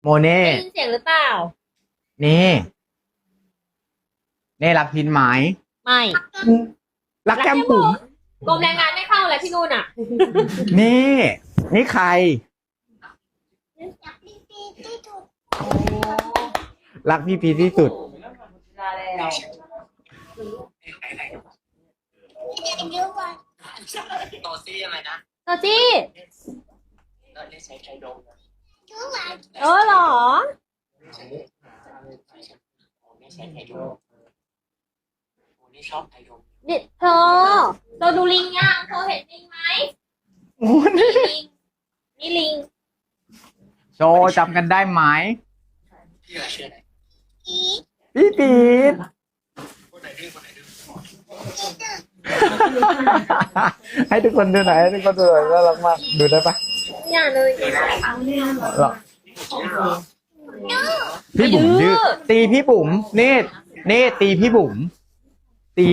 เน่ได้ยินเสียงหรือเปล่านี่เน่รักพินไหมไม่รักแก้มบุ๋มกรมแรงงานไม่เข้าเลยพี่นุ่นอ่ะนี่ใคร รักพี่พีที่สุดโตซี่อะไรนะโตจี้เราได้ใช้ไทยดงนะเหรอไม่ใช้ไทยดงโอ้นี่ชอบไทยดงนี่เธอดูลิงยังเธอเห็นลิงไหมนี่ลิงนี่ลิงโชว์จำกันได้ไหมพี่อะไรชื่ออะไรพี่ปีดคนไหนดื้อคนไหนดื้อให้ทุกคนดูหน่อยให้ทุกคนดูหน่อยน่ารักมากดูได้ปะอย่าเลยหรอพี่บุ๋มดื้อตีพี่บุ๋มนี่ตีพี่บุ๋มตี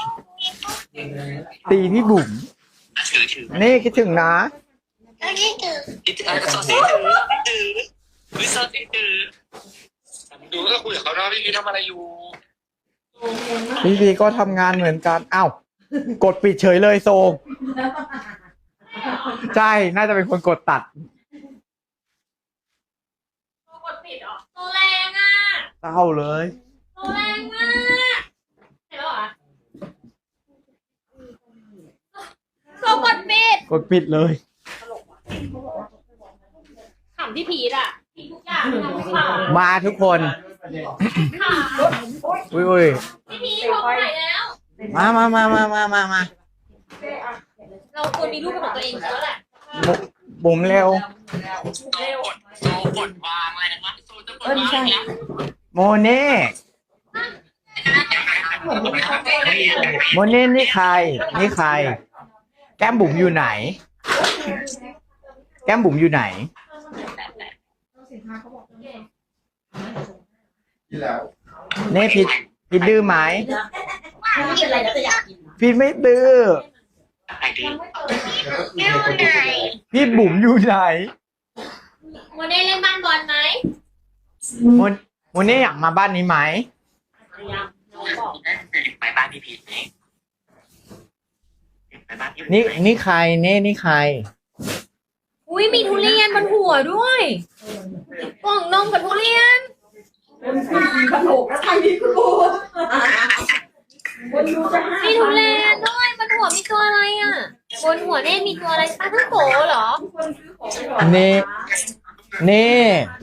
พี่บุ๋มถือนี่คิดถึงนะคิดถึงอะไรก็โซซี่ถือวิโซซี่ถือดูก็คุยกับเขาเนาะพี่พีทำอะไรอยู่พี่พีก็ทำงานเหมือนกันอ้าวกดปิดเฉยเลยโซใช่น่าจะเป็นคนกดตัดกดปิดเหรอโตแรงอ่ะเศร้าเลยโตแรงมากเห็นแล้วเหรอโตกดปิดกดปิดเลยขำที่พีทอ่ะพีททุกอย่างทำให้ขำมาทุกคนขำอุ้ยพี่พีทโทรไปไหนแล้วมาเราควรมีลูกเป็นของตัวเองแล้วแหละบุ๋มเร็วโตกดวางอะไรนะโตจะกดวางเนี่ยโมเน่นี่ใคร แก้มบุ๋มอยู่ไหน เน่ผิดดื้อไหมผิดไม่ดื้อไอ้ดื้อพี่บุ๋มอยู่ไหนโมเน่เล่นบ้านบอลไหมโมเน่อยากมาบ้านนี้ไหมยังน้องบอกไปบ้านพี่พีทไหมไปบ้านพี่พีทนี่ใครนี่ใครอุ้ยมีทุเรียนบนหัวด้วยกล่องนมกับทุเรียนขนมแล้วไทยดีคุณครูคนดูจะให้มีทุเรียนด้วยบนหัวมีตัวอะไรอ่ะบนหัวเน่มีตัวอะไรปลาท่องโกเหรอคนซื้อของนี่